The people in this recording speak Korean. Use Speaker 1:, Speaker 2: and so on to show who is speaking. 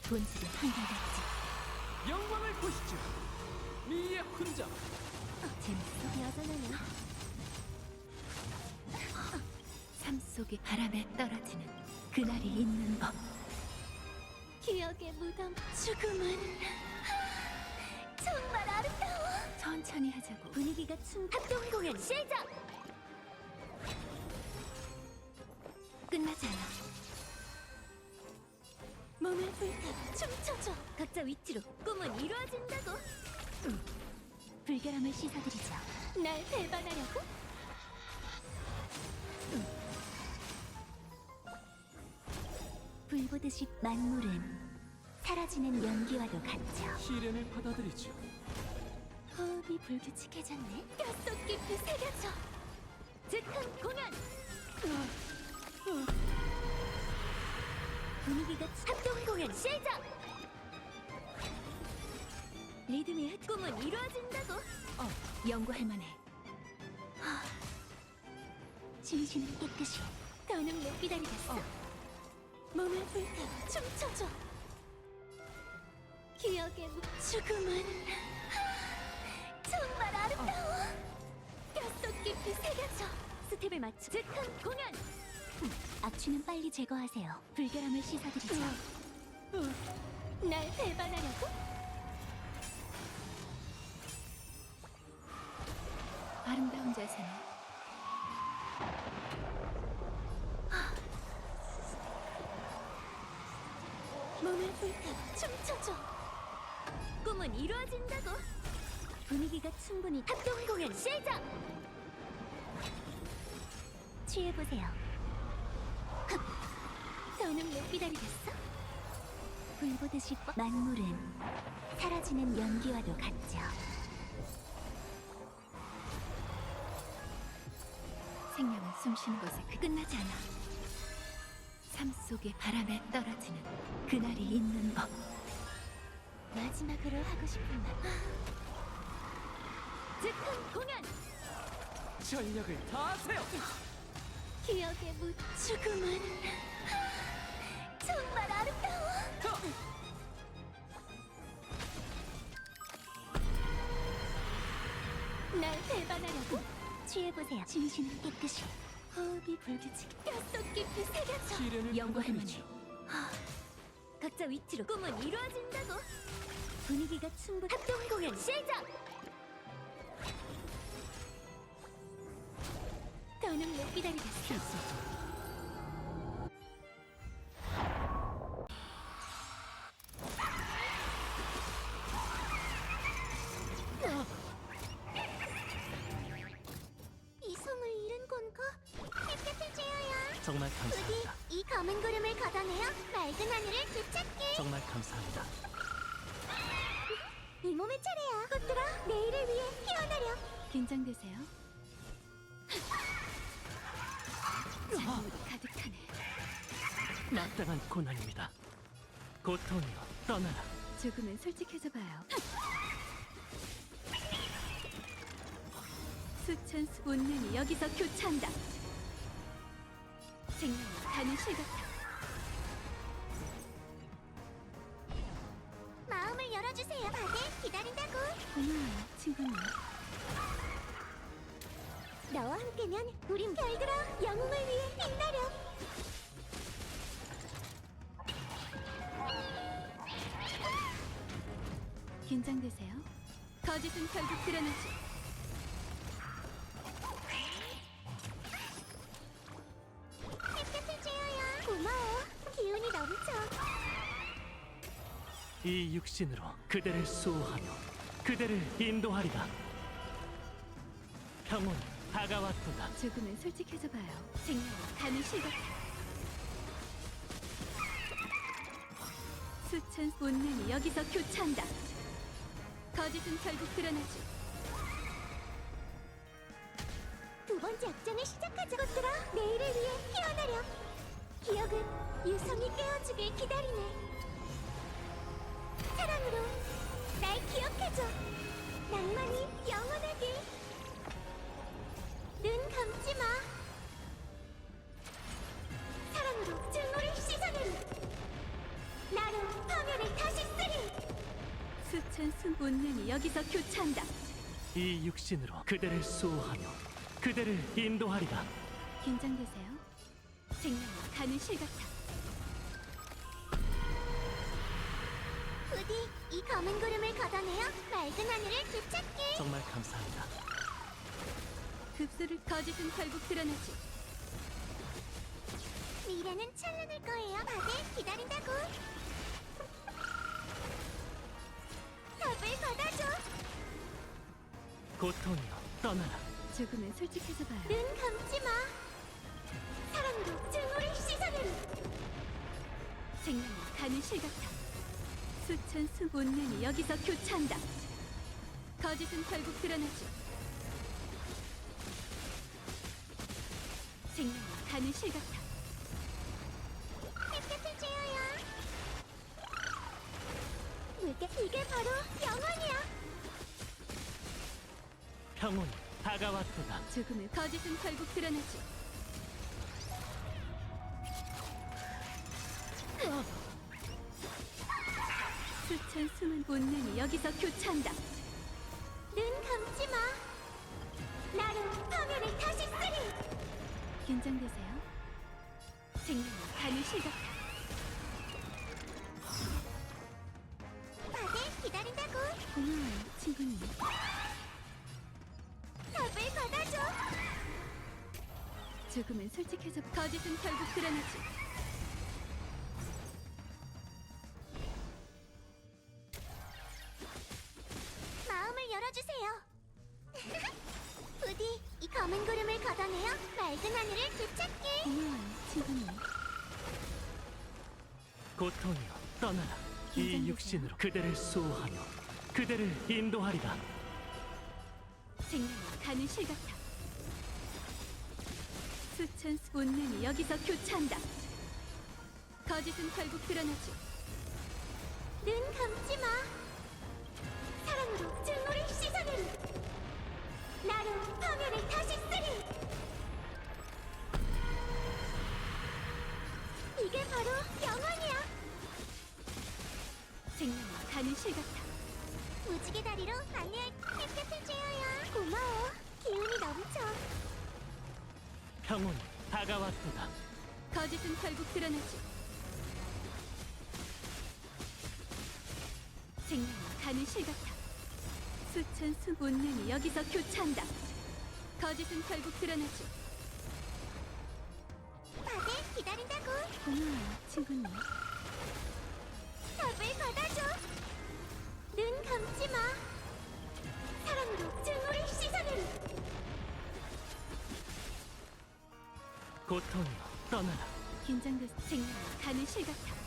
Speaker 1: 본질은 한결같지.
Speaker 2: 영광을 보시죠. 미의 훈장.
Speaker 1: 재밌어? 여전하네. 삶 속의 바람에 떨어지는 그날이 있는 법. 기억의 무덤. 죽음은 정말 아름다워. 천천히 하자고. 분위기가 합동 공연 시작. 끝나지 않아. 몸을 불태워 춤춰줘. 각자 위치로 꿈은 이루어진다고. 불결함을 씻어드리죠. 날 배반하려고? 불 보듯이 만물은 사라지는 연기와도 같죠.
Speaker 2: 시련을 받아들이죠.
Speaker 1: 호흡이 불규칙해졌네. 뼛속 깊이 새겨져. 즉흥 공연. 분위기가 합동 공연 시작. 리듬이 꿈은 이루어진다고. 연구할 만해. 진심은 깨끗이. 더는 못 기다리겠어. 몸을 불태워 춤춰줘. 기억의 죽음은 정말 아름다워. 뼛속 깊이 새겨져. 스텝을 맞춰 즉흥 공연. 악취는 빨리 제거하세요. 불결함을 씻어드리죠. 날 배반하려고? 아름다운 자세네. 몸을 불태워 춤춰줘. 꿈은 이루어진다고. 분위기가 충분히 합동 공연 시작. 취해보세요. 더는 못 기다리겠어? 불 보듯이 만물은 사라지는 연기와도 같죠. 생명은 숨쉬는 곳에 끝나지 않아. 삶 속의 바람에 떨어지는 그날이 있는 법. 마지막으로 하고 싶은 말. 즉흥 공연.
Speaker 2: 전력을 다하세요.
Speaker 1: 기억의 죽음은 정말 아름다워. 날 배반하려고? 취해보세요. 진심은 깨끗이. 호흡이 불규칙. 뼛속 깊이 새겨져.
Speaker 2: 시련을
Speaker 1: 연구할 만해.
Speaker 2: 받아들이죠.
Speaker 1: 각자 위치로 꿈은 이루어진다고. 분위기가 충분. 합동 공연 시작. 더는 못 기다리겠어. 이성을 잃은 건가? 햇볕을 쬐어요.
Speaker 2: 정말 감사합니다.
Speaker 1: 이 검은 구름을 걷어내어 맑은 하늘을 되찾게.
Speaker 2: 정말 감사합니다.
Speaker 1: 이 몸의 차례야. 꽃들아, 내일을 위해 피어나려. 긴장되세요. 잔물이 가득하네.
Speaker 2: 마땅한 고난입니다. 고통이여 떠나라.
Speaker 1: 조금은 솔직해져봐요. 수천 운명이 여기서 교차한다. 생명이 가는 실 같아. 마음을 열어주세요. 다들 기다린다고. 고마워요, 친구님. 너와 함께면 우린 별들아 영웅을 위해 빛나렴. 긴장되세요. 거짓은 결국 드러나지. 햇볕을 쬐어요. 고마워. 기운이 넘쳐.
Speaker 2: 이 육신으로 그대를 수호하며 그대를 인도하리라. 평온 다가왔도다.
Speaker 1: 조금은 솔직해져봐요. 생명이 가는 실 같아. 수천 운명이 여기서 교차한다. 거짓은 결국 드러나지. 두 번째 악장을 시작하자. 꽃들아, 내일을 위해 피어나렴. 기억은 유성이 깨워주길 기다리네. 사랑으로 날 기억해줘. 낭만이 영원하길. 눈 감지 마. 사랑으로 증오를 씻어내리. 나로 파멸을 수천수 문명이 여기서 교차한다.
Speaker 2: 이 육신으로 그대를 수호하며 그대를 인도하리라.
Speaker 1: 긴장되세요. 생명은 가는 실 같아.
Speaker 3: 부디 이 검은 구름을 걷어내어 맑은 하늘을 되찾게.
Speaker 2: 정말 감사합니다.
Speaker 1: 급소를 거짓은 결국 드러나지.
Speaker 3: 미래는 찬란할 거예요. 다들 기다린다고. 답을 받아줘.
Speaker 2: 고통이여 떠나라.
Speaker 1: 조금은 솔직해서 봐요.
Speaker 3: 눈 감지 마. 사랑으로 증오를 씻어내리.
Speaker 1: 생명은 가는 실 같아. 수천수 문명이 여기서 교차한다. 거짓은 결국 드러나지. 생명은 가는 실 같아.
Speaker 3: 햇볕을 쬐어요. 이게 바로 영원이야.
Speaker 2: 평온이 다가왔도다.
Speaker 1: 조금은 거짓은 결국 드러나지. 수천 수만 본능이 여기서 교차한다.
Speaker 3: 눈 감지 마. 나로 화면을 다시 쓰리.
Speaker 1: 긴장되세요. 생명은 가는 실 같아.
Speaker 3: 다들 기다린다고.
Speaker 1: 고마워요, 친구님.
Speaker 3: 답을 받아줘.
Speaker 1: 조금은 솔직해서 거짓은 결국 드러나지.
Speaker 3: 마음을 열어주세요. 부디 이 검은 구름을 걷어내어 맑은 하늘을 되찾게.
Speaker 1: 고마워요, 친구님.
Speaker 2: 고통이여 떠나라. 이
Speaker 1: 긴장되세요.
Speaker 2: 육신으로 그대를 수호하며 그대를 인도하리라.
Speaker 1: 생명은 가는 실 같아. 수천 수 본능이 여기서 교차한다. 거짓은 결국 드러나지.
Speaker 3: 눈 감지 마. 사랑으로 증오를 씻어내리. 나로 화면을 다시 쓰리. 이게 바로 영원이야.
Speaker 1: 생명은 가는 실 같아.
Speaker 3: 무지개 다리로 안내할 햇볕을 쬐어요. 고마워. 기운이 넘쳐.
Speaker 2: 평온이 다가왔도다.
Speaker 1: 거짓은 결국 드러나지. 생명은 가는 실 같아. 수천 수 본능이 여기서 교차한다. 거짓은 결국 드러나지.
Speaker 3: 다들 기다린다고.
Speaker 1: 고마워요, 친구님.
Speaker 3: 답을 받아줘. 눈 감지 마. 사랑으로 증오를 씻어내리.
Speaker 2: 고통이여 떠나라.
Speaker 1: 긴장돼서 생명은 가는 실 같아.